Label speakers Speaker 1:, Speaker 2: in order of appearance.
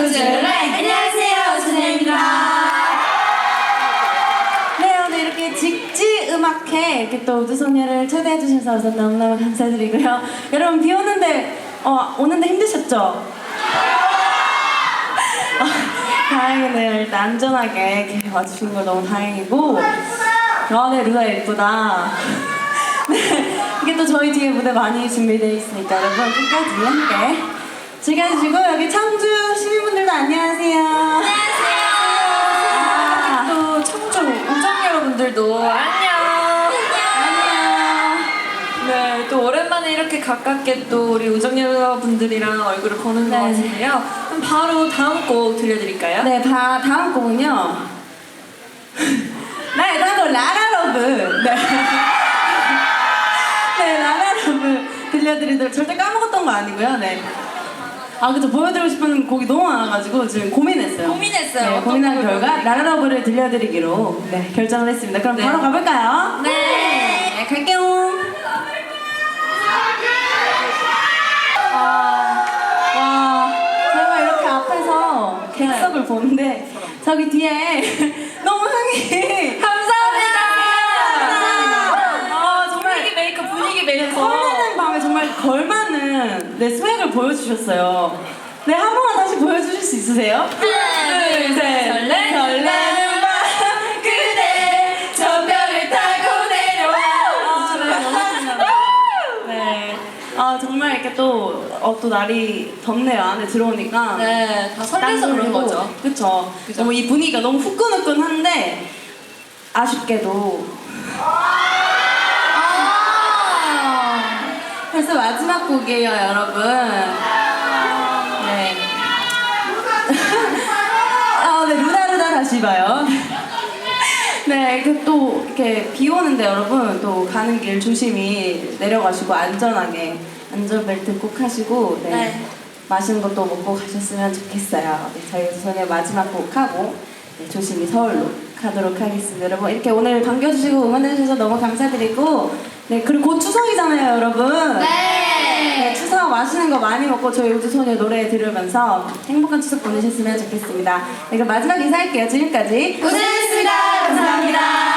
Speaker 1: 우주라이. 안녕하세요, 우주입니다.
Speaker 2: 네, 오늘 이렇게 직지 음악회 이렇게 또 우주소녀를 초대해 주셔서 우선 너무너무 감사드리고요. 여러분 비 오는데 오는데 힘드셨죠? 다행이네요. 일단 안전하게 이렇게 와주신 걸 너무 다행이고. 네, 루나 예쁘다. 네, 이게 또 저희 뒤에 무대 많이 준비되어 있으니까 여러분 끝까지 함께 즐겨주시고, 여기 청주 시민분들도 안녕하세요.
Speaker 1: 안녕하세요. 또 청주 우정 여러분들도 안녕. 네, 또 오랜만에 이렇게 가깝게 또 우리 우정 여러분들이랑 얼굴을 보는 것 같은데요. 그럼 바로 다음 곡 들려드릴까요?
Speaker 2: 네, 다음 곡은요. 네, 다음 곡 라라러브. 네. 네, 라라러브 들려드리도록, 절대 까먹었던 거 아니고요. 네. 그쵸, 보여드리고 싶은 곡이 너무 많아가지고 지금 고민했어요. 네, 고민한 결과 라라러브를 들려드리기로 결정을 했습니다. 그럼 바로 가볼까요?
Speaker 1: 네.
Speaker 2: 갈게요. 와, 제가 이렇게 앞에서 객석을 보는데 저기 뒤에 너무 흥이
Speaker 1: 감사합니다.
Speaker 2: 정말
Speaker 1: 분위기 메이커.
Speaker 2: 설레는 밤에 정말 걸맞는 스웩을 보여주셨어요. 네, 한 번만 다시 보여주실 수 있으세요?
Speaker 1: 둘, 셋.
Speaker 2: 설레는 밤 그대 저 별을 타고 내려와. 네. 정말 이렇게 또 날이 덥네요. 안에 들어오니까.
Speaker 1: 네, 다 설레서 그런 거죠.
Speaker 2: 그쵸. 너무 이 분위기가 너무 후끈후끈한데, 아쉽게도. 벌써 마지막 곡이에요, 여러분. 네. 네, 루나루나 다시 봐요. 네, 또 이렇게 비 오는데 여러분 또 가는 길 조심히 내려가시고 안전하게 안전벨트 꼭 하시고 맛있는 것도 먹고 가셨으면 좋겠어요. 네, 저희 우선의 마지막 곡 하고 조심히 서울로 가도록 하겠습니다. 여러분 이렇게 오늘 반겨주시고 응원해주셔서 너무 감사드리고, 그리고 곧 추석이잖아요, 여러분. 네, 추석 맛있는 거 많이 먹고 저희 우주소녀 노래 들으면서 행복한 추석 보내셨으면 좋겠습니다. 그럼 마지막 인사할게요. 지금까지
Speaker 1: 우주였습니다. 감사합니다.